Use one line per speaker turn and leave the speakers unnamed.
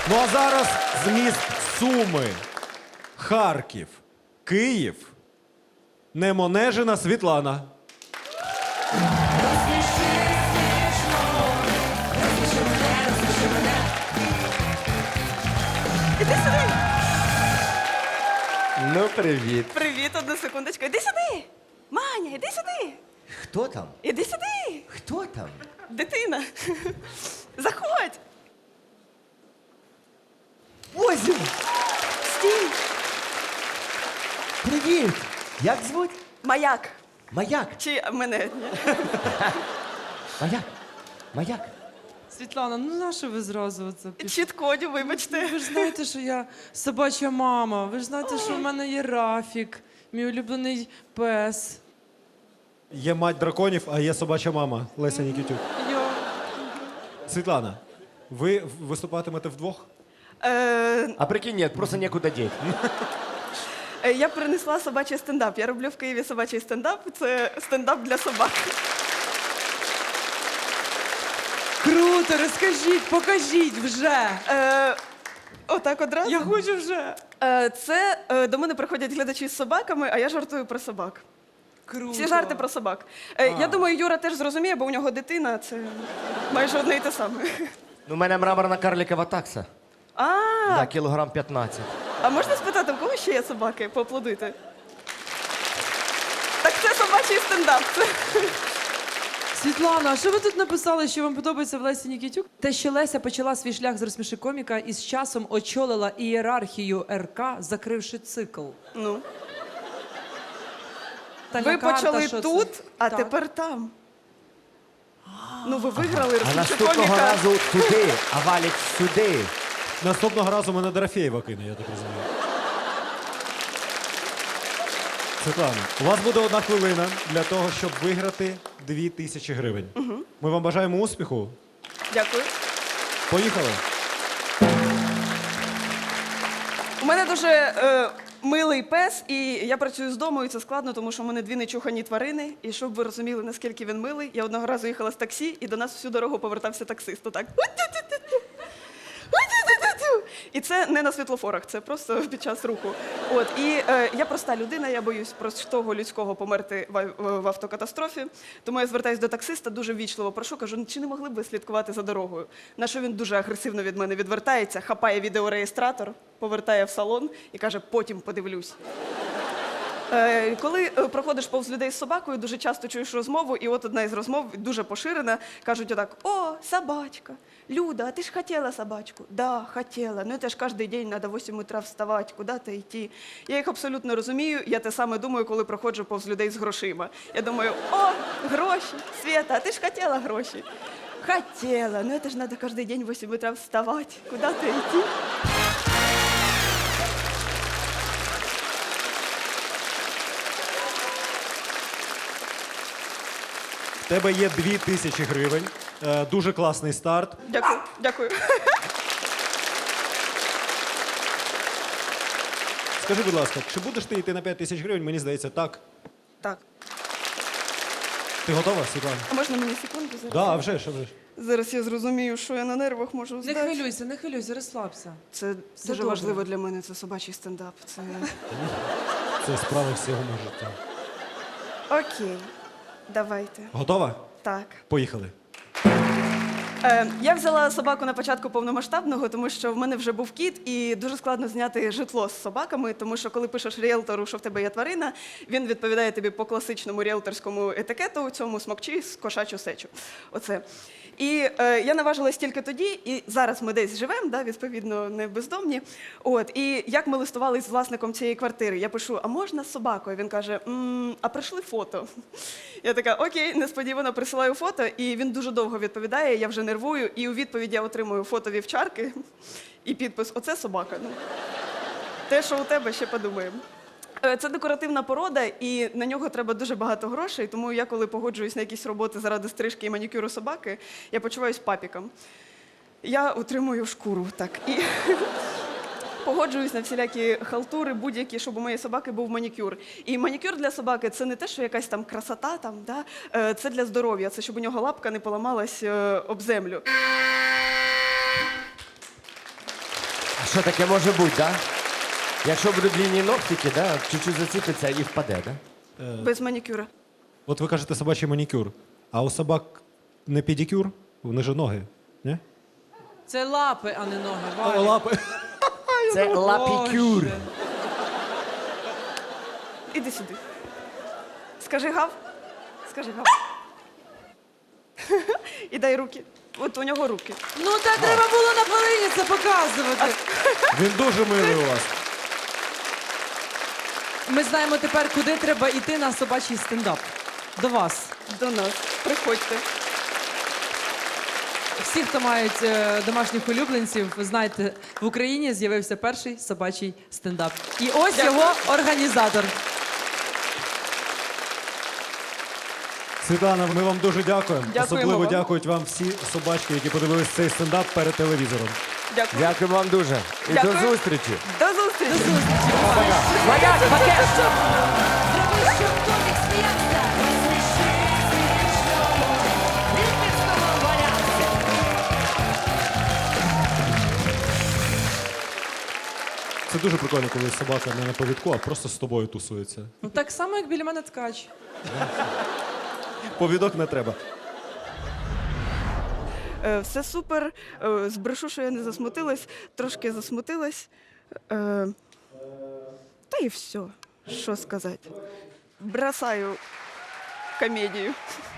Ну а зараз з міст Суми, Харків, Київ, Немонежина Світлана.
Іди сюди.
Ну, привіт.
Привіт, одну секундочку. Іди сюди. Маня, іди сюди.
Хто там?
Іди сюди.
Хто там?
Дитина. Заходь.
Ось він!
Стій.
Привіт! Як звуть?
Маяк.
Маяк.
Чи мене? Ні.
Маяк. Маяк.
Світлана, ну нащо ви зразу це пішли?
Чіткодю, вибачте.
Ви ж знаєте, що я собача мама. Ви ж знаєте, що в мене є Рафік, мій улюблений пес.
Є мать драконів, а є собача мама Леся Нікітюк. Світлана, ви виступатимете вдвох?
А прикинь, нет, просто некуда деть.
Я принесла собачий стендап. Я роблю в Києві собачий стендап. Це стендап для собак.
Круто, розкажіть, покажіть вже.
Отак одразу.
Я хочу вже.
Це до мене приходять глядачі з собаками, а я жартую про собак.
Круто.
Всі жарти про собак. Я думаю, Юра теж зрозуміє, бо у нього дитина, це майже одне й те саме.
Ну, у мене мраморна карликова такса. Да, кілограм 15.
А можна спитати, в кого ще є собаки? Поаплодуйте. Так це собачий стендап.
Світлана, а що ви тут написали, що вам подобається в Лесі Нікітюк? Те, що Леся почала свій шлях з розсміши коміка і з часом очолила ієрархію РК, закривши цикл.
Ну,
Тальна
ви
карта,
почали
що
тут,
це?
а
Так.
тепер там. Ну, ви виграли
А
розсміши
наступного
коміка.
разу туди, а Валік сюди.
Наступного разу мене Дорофєєва кине, я так розумію. Світлана, у вас буде 1 хвилина для того, щоб виграти 2000 гривень. Ми вам бажаємо успіху.
Дякую.
Поїхали.
У мене дуже милий пес, і я працюю з дому, і це складно, тому що в мене 2 нечухані тварини. І щоб ви розуміли, наскільки він милий, я одного разу їхала з таксі, і до нас всю дорогу повертався таксист. Отак. І це не на світлофорах, це просто під час руху. От, і я проста людина, я боюсь простого людського померти в автокатастрофі. Тому я звертаюся до таксиста, дуже ввічливо прошу, кажу, чи не могли б ви слідкувати за дорогою? На що він дуже агресивно від мене відвертається, хапає відеореєстратор, повертає в салон і каже, потім подивлюсь. Коли проходиш повз людей з собакою, дуже часто чуєш розмову, і от одна із розмов дуже поширена. Кажуть отак, о, собачка, Люда, а ти ж хотіла собачку? Да, хотіла, ну це ж кожен день треба в 8 утра вставати, куди-то йти. Я їх абсолютно розумію, я те саме думаю, коли проходжу повз людей з грошима. Я думаю, о, гроші, Света, а ти ж хотіла гроші? Хотіла, ну це ж треба кожен день в 8 утра вставати, куди-то йти.
В тебе є 2000 гривень. Дуже класний старт.
Дякую, дякую.
Скажи, будь ласка, чи будеш ти йти на 5000 гривень? Мені здається, так.
Так.
Ти готова, Світлана?
А можна мені секунду зараз?
Да, а вже ж, а вже ж.
Зараз я зрозумію, що я на нервах можу
Не
здати.
хвилюйся, розслабся.
Це дуже
добре.
важливо для мене, це собачий стендап. Це...
Це справа всього мого життя.
Окей, давайте.
Готова?
Так.
Поїхали.
Я взяла собаку на початку повномасштабного, тому що в мене вже був кіт, і дуже складно зняти житло з собаками, тому що коли пишеш ріелтору, що в тебе є тварина, він відповідає тобі по класичному ріелторському етикету, цьому смокчи, кошачу сечу. Оце. І я наважилась тільки тоді, і зараз ми десь живемо, да, відповідно, не бездомні. От, і як ми листувалися з власником цієї квартири, я пишу, а можна з собакою? Він каже, а прийшли фото. Я така, окей, несподівано присилаю фото, і він дуже довго відповідає, я вже нервую, і у відповідь я отримую фото вівчарки і підпис «Оце собака». Ну, те, що у тебе, ще подумаємо. Це декоративна порода, і на нього треба дуже багато грошей, тому я, коли погоджуюсь на якісь роботи заради стрижки і манікюру собаки, я почуваюсь папіком. Я отримую шкуру, так, і погоджуюсь на всілякі халтури, будь-які, щоб у моєї собаки був манікюр. І манікюр для собаки – це не те, що якась там красота, там, да? Це для здоров'я, це щоб у нього лапка не поламалась об землю.
що таке може бути, да? Якщо будуть длинні ногтики, да, чуть-чуть заціпиться і впаде, да?
Без манікюра.
От ви кажете собачий манікюр, а у собак не педикюр, вони ж ноги, ні?
Це лапи, а не ноги. Валя.
Лапи.
Це лапікюр.
Боже.
Іди сюди. Скажи гав. Скажи гав. І дай руки. От у нього руки.
Ну та треба було на хвилині це показувати.
Він дуже милий у вас.
Ми знаємо тепер, куди треба йти на собачий стендап. До вас.
До нас. Приходьте.
Всі, хто мають домашніх улюбленців, ви знаєте, в Україні з'явився перший собачий стендап. І ось його організатор.
Світлана, ми вам дуже дякуємо.
Дякуємо
Особливо
вам.
дякують вам всі собачки, які подивились цей стендап перед телевізором.
Дякую.
Дякую вам дуже. І
Дякую.
до зустрічі.
До зустрічі.
Маяк, пакет!
Зроби, щоб комік сміявся. Розсміши смішного. Ліпівського валявся.
Це дуже прикольно, коли собака не на повідку, а просто з тобою тусується.
Ну, так само, як біля мене ткач.
Повідок не треба.
Все супер. Збрешу, що я не засмутилась. Трошки засмутилась. Та і все. Що сказати. Бросаю комедію.